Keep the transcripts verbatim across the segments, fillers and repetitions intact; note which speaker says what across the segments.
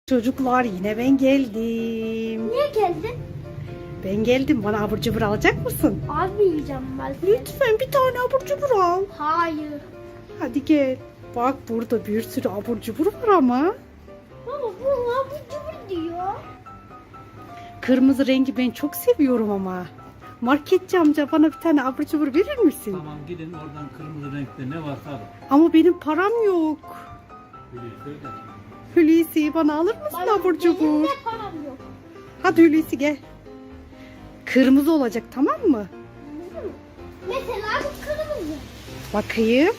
Speaker 1: Çocuklar yine ben geldim.
Speaker 2: Niye geldin?
Speaker 1: Ben geldim. Bana abur cubur alacak mısın?
Speaker 2: Abi yiyeceğim ben.
Speaker 1: Lütfen bir tane abur cubur al.
Speaker 2: Hayır.
Speaker 1: Hadi gel. Bak burada bir sürü abur cubur var ama.
Speaker 2: Baba bu abur cubur diyor.
Speaker 1: Kırmızı rengi ben çok seviyorum ama. Marketçi amca bana bir tane abur cubur verir misin?
Speaker 3: Tamam gidin oradan kırmızı renkte ne varsa alın.
Speaker 1: Ama benim param yok.
Speaker 3: Biliyorsun da.
Speaker 1: Hulusi bana alır mısın
Speaker 2: Bana-
Speaker 1: abur
Speaker 2: Benim
Speaker 1: cubur?
Speaker 2: de param yok.
Speaker 1: Hadi Hulusi gel. Kırmızı olacak tamam mı?
Speaker 2: Anladın mı? Mesela bu kırmızı.
Speaker 1: Bakayım.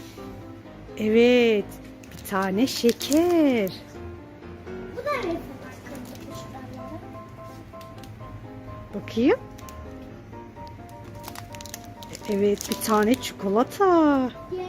Speaker 1: Evet. Bir tane şeker.
Speaker 2: Bu da mesela kırmızı şuralara.
Speaker 1: Bakayım. Evet bir tane çikolata.
Speaker 2: Gel.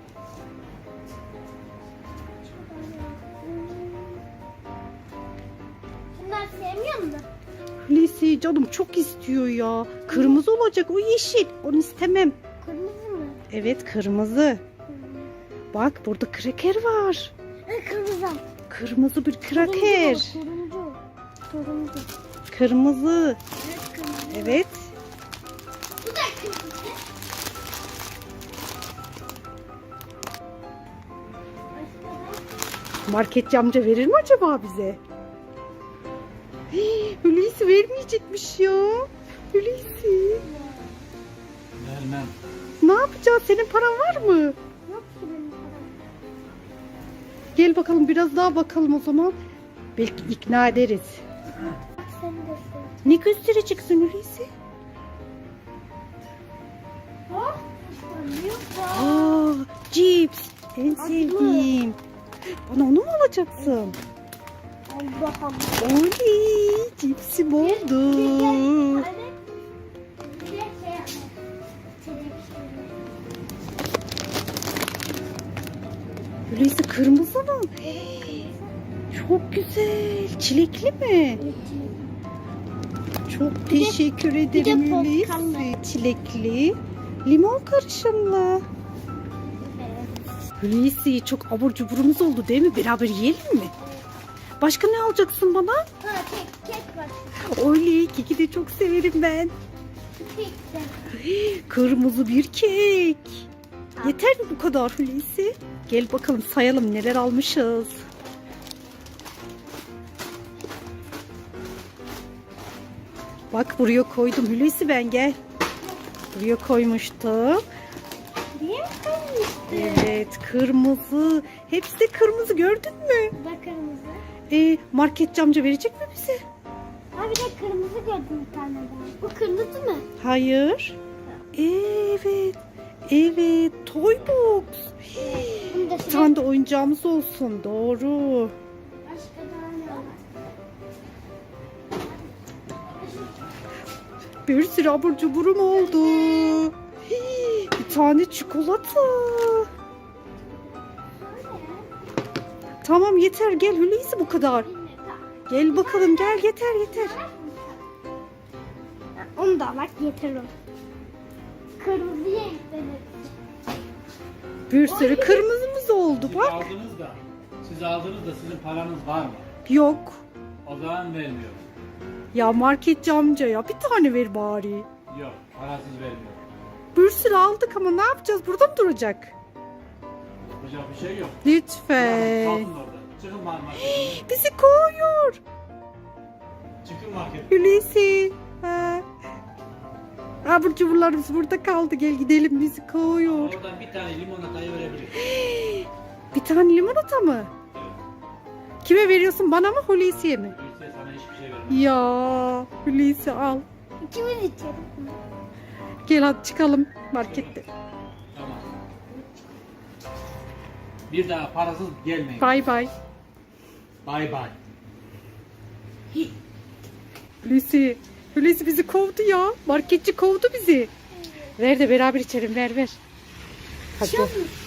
Speaker 2: Bunlar sevmiyor musun?
Speaker 1: Hulusi canım çok istiyor ya. Kırmızı olacak o yeşil. Onu istemem.
Speaker 2: Kırmızı mı?
Speaker 1: Evet kırmızı. Bak burada kraker var.
Speaker 2: E, kırmızı.
Speaker 1: Kırmızı bir kraker.
Speaker 2: Turuncu. Turuncu.
Speaker 1: Kırmızı.
Speaker 2: Evet kırmızı.
Speaker 1: Evet.
Speaker 2: Bu da kırmızı. Başka
Speaker 1: Marketçi amca verir mi acaba bize? Hii, Hulusi vermeyecekmiş ya. Hulusi.
Speaker 3: Vermem.
Speaker 1: Ne yapacağız? Senin paran var mı?
Speaker 2: Yok ki benim param.
Speaker 1: Gel bakalım biraz daha bakalım o zaman. Belki ikna ederiz.
Speaker 2: Bak sen de sev.
Speaker 1: Ne göstereceksin Hulusi?
Speaker 2: Hop. İşte büyük var.
Speaker 1: Aa, cips. En
Speaker 2: Acılı.
Speaker 1: sevdiğim. Bana onu mu alacaksın?
Speaker 2: Allah'ım.
Speaker 1: Oley, cipsim oldu.
Speaker 2: Bir de şey yapma. Televizyon.
Speaker 1: Hulusi kırmızı mı? Çok güzel. Çilekli mi? Çok teşekkür ederim
Speaker 2: de
Speaker 1: Hulusi.
Speaker 2: portakallı.
Speaker 1: Çilekli, limon karışımlı. Hulusi çok abur cuburumuz oldu değil mi? Beraber yiyelim mi? Başka ne alacaksın bana?
Speaker 2: Ha kek, kek var.
Speaker 1: Oley, keki de çok severim ben.
Speaker 2: Kek de.
Speaker 1: Kırmızı bir kek. Yeter mi bu kadar Hulusi? Gel bakalım sayalım neler almışız. Bak buraya koydum Hulusi ben gel. Buraya koymuştum.
Speaker 2: Niye kırmızı?
Speaker 1: Evet kırmızı. Hepsi de kırmızı gördün mü?
Speaker 2: Bu da kırmızı.
Speaker 1: Ee, marketçi amca verecek mi bize?
Speaker 2: Ha bir de kırmızı gördüm bir tane daha. Bu kırmızı mı?
Speaker 1: Hayır. Evet. Evet. Toy box.
Speaker 2: Bunu da
Speaker 1: Bir tane de oyuncağımız olsun. Doğru.
Speaker 2: Başka daha ne var?
Speaker 1: Bir sürü abur cuburum oldu. Hii, bir tane çikolata. Tamam yeter gel Hulusi bu kadar. Gel bakalım gel yeter yeter.
Speaker 2: Onu da bak yeter o. Kırmızıya eklenir.
Speaker 1: Bir sürü kırmızımız oldu
Speaker 3: Siz
Speaker 1: bak.
Speaker 3: aldınız da, siz aldınız da sizin paranız var mı?
Speaker 1: Yok.
Speaker 3: O zaman vermiyorum.
Speaker 1: Ya marketçi amca ya bir tane ver bari.
Speaker 3: Yok, parasız vermiyorum.
Speaker 1: Bir sürü aldık ama ne yapacağız? Burada mı duracak?
Speaker 3: Yapacak bir şey yok.
Speaker 1: Lütfen.
Speaker 3: Kalkın orada. Çıkın marketten.
Speaker 1: Bizi kovuyor.
Speaker 3: Çıkın marketten.
Speaker 1: Hulusi. Ha. Abur cuburlarımız burada kaldı. Gel gidelim bizi kovuyor.
Speaker 3: Oradan bir tane limonatayı verebilirim.
Speaker 1: Bir tane limonata mı?
Speaker 3: Evet.
Speaker 1: Kime veriyorsun? Bana mı Hulusi'ye mi?
Speaker 3: Öyleyse sana hiçbir şey vermem.
Speaker 1: Ya Hulusi al.
Speaker 2: İkimiz içelim.
Speaker 1: Gel hadi çıkalım markette.
Speaker 3: Tamam. Bir daha parasız gelmeyin.
Speaker 1: Bay bay.
Speaker 3: Bay bay.
Speaker 1: Hulusi. Hulusi bizi kovdu ya. Marketçi kovdu bizi. Ver de beraber içelim ver ver. Hadi.
Speaker 2: Çok